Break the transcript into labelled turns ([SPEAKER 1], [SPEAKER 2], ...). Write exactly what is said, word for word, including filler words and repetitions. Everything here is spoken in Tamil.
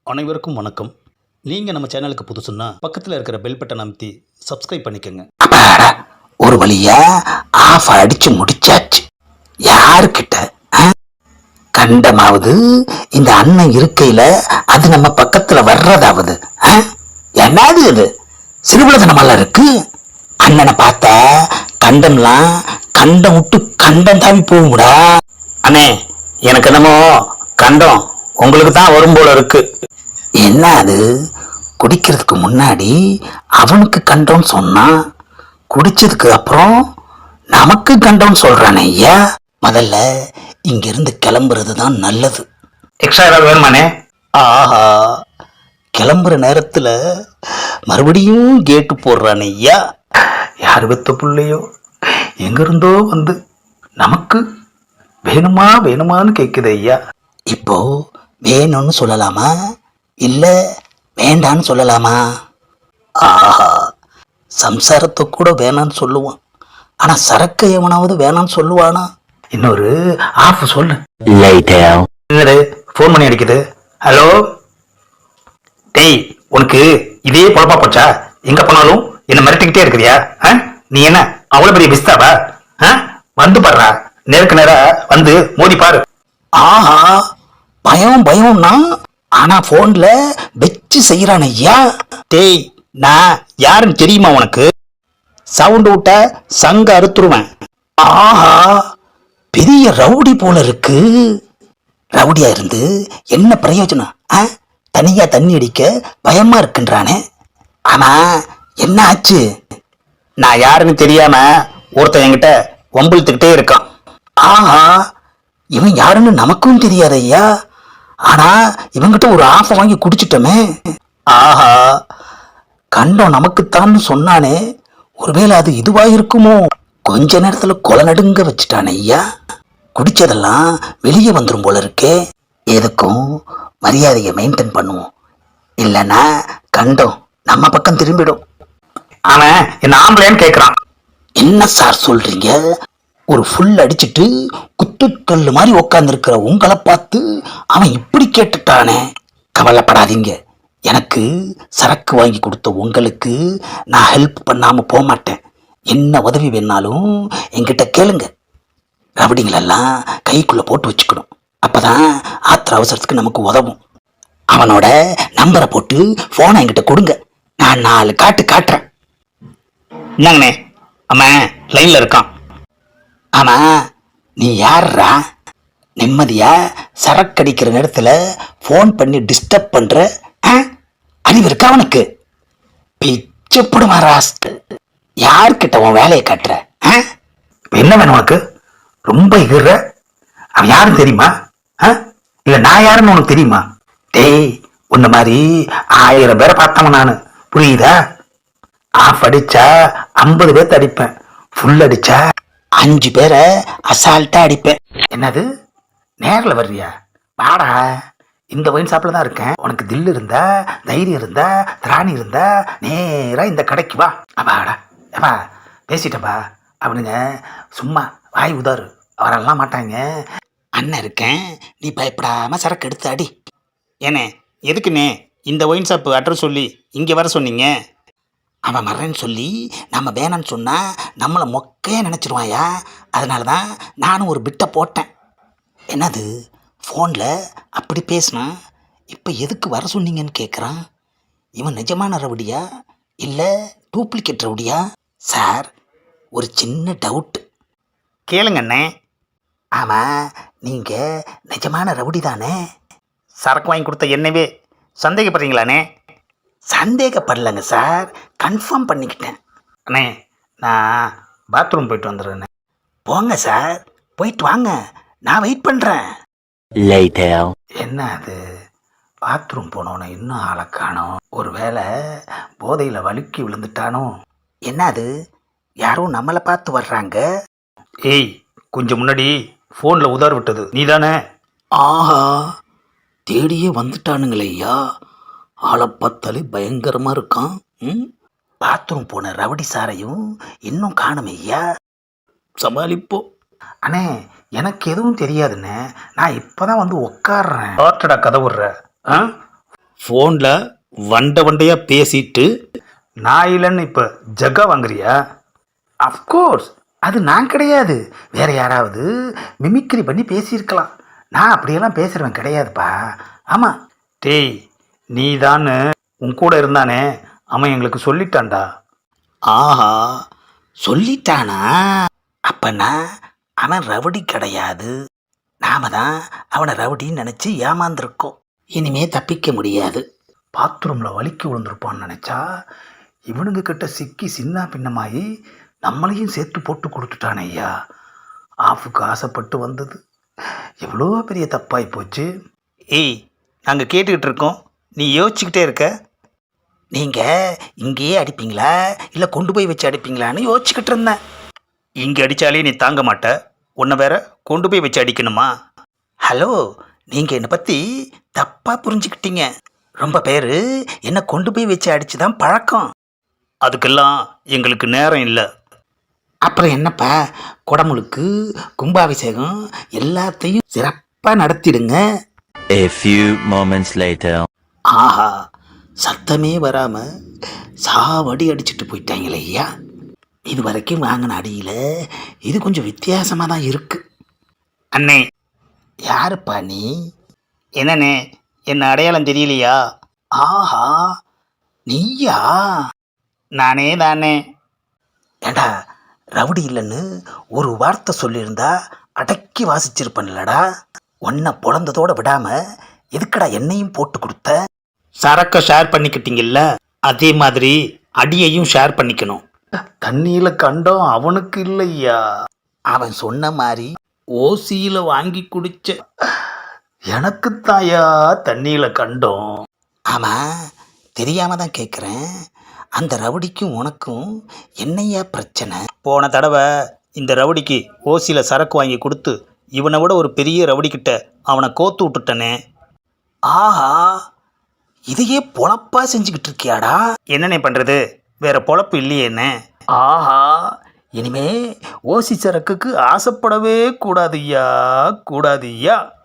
[SPEAKER 1] அனைவருக்கும் வணக்கம். நீங்கள் நம்ம சேனலுக்கு புதுசுன்னா பக்கத்தில் இருக்கிற பெல் பட்டன் அமைத்தி சப்ஸ்கிரைப் பண்ணிக்கோங்க.
[SPEAKER 2] அப்பாடா, ஒரு வழியா ஆஃப் அடிச்சு முடிச்சாச்சு. யாருக்கிட்ட ஆ? கண்டமாவது இந்த அண்ணன் இருக்கையில அது நம்ம பக்கத்துல வர்றதாவது ஆ? என்னது இது சிறுபலதனமெல்லாம் இருக்கு. அண்ணனை பார்த்தா கண்டம்லாம் கண்டம் விட்டு கண்டம் தாவி போகும்டா. அண்ணே, எனக்கு என்னமோ கண்டம் உங்களுக்கு தான் வரும் போல இருக்கு. என்ன அது, குடிக்கிறதுக்கு முன்னாடி அவனுக்கு கண்டோன்னு சொன்னான், குடிச்சதுக்கு அப்புறம் நமக்கு கண்டோன்னு சொல்றானே ஐயா. முதல்ல இங்கிருந்து கிளம்புறது தான் நல்லது. எக்ஸ்ட்ரா ஏதாவது வேணுமானே? ஆஹா, கிளம்புற நேரத்துல மறுபடியும் கேட்டு போடுறானே ஐயா. யார் வெத்த பிள்ளையோ எங்கிருந்தோ வந்து நமக்கு வேணுமா வேணுமான்னு கேக்குது ஐயா. இப்போ வேணும்னு சொல்லலாமா இல்ல வேண்டான்னு சொல்லலாமா? ஆஹா, சம்சாரத்தை கூட வேணான்னு சொல்லுவான், ஆனா சரக்கு எவனாவது வேணான்னு சொல்லுவானா? இன்னொரு ஆஃப் சொல்லு. போன் பண்ணி அடிக்குது. ஹலோ டேய், உனக்கு இதே பொழப்பா போச்சா? எங்க போனாலும் என்ன மிரட்டிக்கிட்டே இருக்கிறியா? நீ என்ன அவ்வளவு பெரிய பிஸ்தாவா? வந்து பாடுறா, நேருக்கு நேரா வந்து மோதி பாரு. ஆஹா, பயம் பயம்னா ஆனா போன்ல வச்சு செய்யறான் ஐயா. டேய், நான் யாருன்னு தெரியுமா உனக்கு? சவுண்ட் விட்ட சங்க அறுத்துருவேன். ஆஹா, பெரிய ரவுடி போல இருக்கு. ரவுடியா இருந்து என்ன பிரயோஜனம்? தனியா தண்ணி அடிக்க பயமா இருக்குன்றானே. ஆனா என்ன ஆச்சு? நான் யாருன்னு தெரியாம ஒருத்தன் என்கிட்ட வம்பிழுத்துக்கிட்டே இருக்கான். ஆஹா, இவன் யாருன்னு நமக்கும் தெரியாது ஐயா. ஆனா இவங்கிட்ட ஒரு ஆஃபை வாங்கி குடிச்சிட்டோமே. ஆஹா, கண்டம் நமக்குத்தான்னு சொன்னானே, ஒருவேளை அது இதுவா இருக்குமோ? கொஞ்ச நேரத்துல கொலை நடுங்க வச்சுட்டானே ஐயா. குடிச்சதெல்லாம் வெளியே வந்துடும் போல இருக்கே. எதுக்கும் மரியாதையை மெயின்டைன் பண்ணுவோம், இல்லைன்னா கண்டம் நம்ம பக்கம் திரும்பிடும். அவன் என்ன ஆம்பளைன்னு கேட்கிறான். என்ன சார் சொல்றீங்க? ஒரு ஃபுல் அடிச்சுட்டு குத்துக்கல்லு மாதிரி உக்காந்து இருக்கிற உங்களை பார்த்து அவன் இப்படி கேட்டுட்டானே. கவலைப்படாதீங்க, எனக்கு சரக்கு வாங்கி கொடுத்த உங்களுக்கு நான் ஹெல்ப் பண்ணாம போக மாட்டேன். என்ன உதவி வேணாலும் என்கிட்ட கேளுங்க. ரபடிங்களெல்லாம் கைக்குள்ள போட்டு வச்சுக்கணும், அப்பதான் ஆத்திர அவசரத்துக்கு நமக்கு உதவும். அவனோட நம்பரை போட்டு போனை என்கிட்ட கொடுங்க, நான் நாலு காட்டு காட்டுறேன். என்னங்கண்ணே, அவன் லைன்ல இருக்கான். ஆமா, நீ யாரா? நிம்மதியா சரக்கு அடிக்கிற நேரத்துல போன் பண்ணி டிஸ்டர்ப் பண்ற அறிவு இருக்கா அவனுக்கு? பிச்சப்படுமா ராஸ்ட். யார்கிட்ட உன் வேலையை காட்டுற? என்ன வேணும் உனக்கு? ரொம்ப இகுற. அவன் யாருன்னு தெரியுமா? இல்ல நான் யாருன்னு உனக்கு தெரியுமா? டேய், உன்ன மாதிரி ஆயிரம் பேரை பார்த்தவன் நானு, புரியுதா? ஆஃப் அடிச்சா ஐம்பது பேர்த்த அடிப்பேன், ஃபுல் அடிச்சா அஞ்சு பேரை அசால்ட்டா அடிப்பேன். என்னது, நேரில் வர்றியா? வாடா, இந்த ஒயின் ஷாப்ல தான் இருக்கேன். உனக்கு தில் இருந்தா, தைரியம் இருந்தா, திராணி இருந்தா நேரா இந்த கடைக்கு வா. அப்பாடா, ஏப்பா பேசிட்டப்பா. அவனுங்க சும்மா வாய் உதாரு, அவரெல்லாம் மாட்டாங்க. அண்ணன் இருக்கேன், நீ பயப்படாம சரக்கு எடுத்து அடி. ஏனே, எதுக்குண்ணே இந்த ஒயின் ஷாப்பு அட்ரஸ் சொல்லி இங்கே வர சொன்னீங்க? அவன் மறன்னு சொல்லி நம்ம வேணான்னு சொன்னா நம்மளை மொக்கையே நினச்சிருவாயா. அதனால தான் நானும் ஒரு பிட்டை போட்டேன். என்னது, ஃபோனில் அப்படி பேசினா இப்போ எதுக்கு வர சொன்னீங்கன்னு கேட்குறான். இவன் நிஜமான ரவுடியா இல்லை டூப்ளிகேட் ரவுடியா? சார், ஒரு சின்ன டவுட்டு கேளுங்கண்ணே. ஆமாம், நீங்கள் நிஜமான ரவுடி தானே? சரக்கு வாங்கி கொடுத்த என்னவே சந்தேகப்படுறீங்களாண்ணே? சந்தேகப்படலைங்க சார், கன்ஃபார்ம் பண்ணிக்கிட்டேன். அண்ணே, நான் பாத்ரூம் போயிட்டு வந்துடுறேண்ணே. போங்க சார், போயிட்டு வாங்க, நான் வெயிட் பண்ணுறேன். என்ன அது, பாத்ரூம் போனோன்னு இன்னும் ஆளை காணோம். ஒரு வேளை போதையில் வழுக்கி விழுந்துட்டானோ? என்ன அது, யாரும் நம்மளை பார்த்து வர்றாங்க. ஏய், கொஞ்சம் முன்னாடி ஃபோனில் உதார் விட்டது நீ தானே? ஆஹா, தேடியே வந்துட்டானுங்களே ஐயா. ஆளை பார்த்தாலே பயங்கரமா இருக்கான். ம், பாத்ரூம் போன ரவுடி சாரையும் இன்னும் காணுமே ஐயா. சமாளிப்போம். அண்ணே, எனக்கு எதுவும் தெரியாதுண்ணே, நான் இப்போதான் வந்து உக்காடுறேன். ஆட்டடா கதை விடுற. ஆ,
[SPEAKER 1] ஃபோனில் வண்ட வண்டையாக பேசிட்டு
[SPEAKER 2] நான் இல்லைன்னு இப்போ ஜக்கா வாங்குறியா? அஃப்கோர்ஸ் அது நான் கிடையாது, வேற யாராவது மிமிக்ரி பண்ணி பேசியிருக்கலாம். நான் அப்படியெல்லாம் பேசுகிறவன் கிடையாதுப்பா. ஆமாம். டேய், நீ தானே உன் கூட இருந்தானே, அவன் எங்களுக்கு சொல்லிட்டான்டா.
[SPEAKER 1] ஆஹா, சொல்லிட்டானா? அப்பனா அவன் ரவுடி கிடையாது, நாம தான் அவனை ரவுடின்னு நினச்சி ஏமாந்துருக்கோம். இனிமே தப்பிக்க முடியாது.
[SPEAKER 2] பாத்ரூமில் வலிக்கு விழுந்திருப்பான்னு நினச்சா இவனுங்க கிட்ட சிக்கி சின்ன பின்னமாயி நம்மளையும் சேர்த்து போட்டு கொடுத்துட்டானே ஐயா. ஆஃபுக்கு ஆசைப்பட்டு வந்தது எவ்வளோ பெரிய தப்பாகி போச்சு.
[SPEAKER 1] ஏய், நாங்கள் கேட்டுக்கிட்டு இருக்கோம், நீ யோசிச்சுக்கிட்டே இருக்க. நீங்கள் இங்கேயே அடிப்பீங்களா இல்லை கொண்டு போய் வச்சு அடிப்பீங்களான்னு யோசிச்சுக்கிட்டு இருந்தேன். இங்கே அடித்தாலே நீ தாங்க மாட்ட, உன்னை வேற கொண்டு போய் வச்சு அடிக்கணுமா? ஹலோ, நீங்கள் என்னை பற்றி தப்பாக புரிஞ்சுக்கிட்டீங்க. ரொம்ப பேர் என்னை கொண்டு போய் வச்சு அடித்து தான் பழக்கம். அதுக்கெல்லாம் எங்களுக்கு நேரம் இல்லை. அப்புறம் என்னப்பா, குடமுழுக்கு கும்பாபிஷேகம் எல்லாத்தையும் சிறப்பாக நடத்திடுங்க.
[SPEAKER 3] A few moments later.
[SPEAKER 1] ஆஹா, சத்தமே வராமல் சாவடி அடிச்சுட்டு போயிட்டாங்களே ஐயா. இது வரைக்கும் வாங்கின அடியில் இது கொஞ்சம் வித்தியாசமாக தான் இருக்கு. அண்ணே, யாருப்பா நீ? என்னண்ணே, என்ன அடையாளம் தெரியலையா? ஆஹா, நீயா? நானே தானே. ஏண்டா, ரவுடி இல்லைன்னு ஒரு வார்த்தை சொல்லியிருந்தா அடக்கி வாசிச்சிருப்பேன்லடா. உன்னை பிறந்ததோட விடாமல் எதுக்கடா என்னையும் போட்டு கொடுத்த? சரக்கை ஷேர் பண்ணிக்கிட்டீங்கல்ல, அதே மாதிரி அடியையும் ஷேர் பண்ணிக்கணும்.
[SPEAKER 2] தண்ணியில் கண்டோம் அவனுக்கு இல்லையா.
[SPEAKER 1] அவன் சொன்ன மாதிரி ஓசியில் வாங்கி குடிச்ச
[SPEAKER 2] எனக்குத்தாயா தண்ணியில் கண்டோம்.
[SPEAKER 1] ஆமாம், தெரியாம தான் கேட்குறேன். அந்த ரவுடிக்கும் உனக்கும் என்னையா பிரச்சனை? போன தடவை இந்த ரவுடிக்கு ஓசியில் சரக்கு வாங்கி கொடுத்து இவனை விட ஒரு பெரிய ரவுடிக்கிட்ட அவனை கோத்து விட்டுட்டனே. ஆஹா, இதையே பொழப்பா செஞ்சுக்கிட்டு இருக்கியாடா? என்னண்ணே பண்ணுறது, வேற பொழப்பு இல்லையே என்ன? ஆஹா, இனிமே ஓசி சரக்குக்கு ஆசைப்படவே கூடாதுய்யா, கூடாதுய்யா.